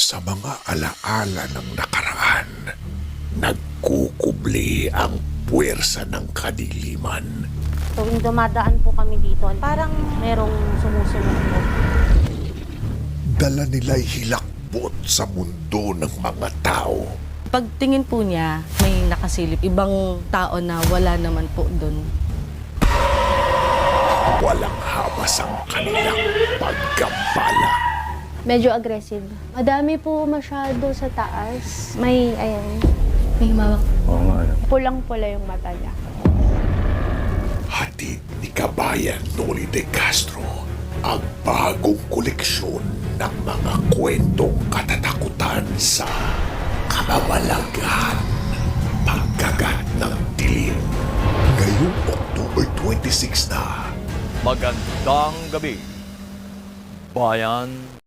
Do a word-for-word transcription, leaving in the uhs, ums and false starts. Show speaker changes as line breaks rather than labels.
Sa mga alaala ng nakaraan, nagkukubli ang puwersa ng kadiliman.
Tuwing dumadaan po kami dito, parang merong sumusunod po.
Dala nila'y hilakbot sa mundo ng mga tao.
Pagtingin po niya, may nakasilip. Ibang tao na wala naman po doon.
Walang habas ang kanilang pagkambala.
Medyo aggressive. Madami po masyado sa taas. May, ayan,
May himawak.
Oo nga.
pulang-pula yung mata niya.
Hatid ni Kabayan Noli de Castro ang bagong koleksyon ng mga kwentong katatakutan sa kababalaghan, pagkagat ng dilim. Ngayong October twenty-six na,
Magandang gabi, Bayan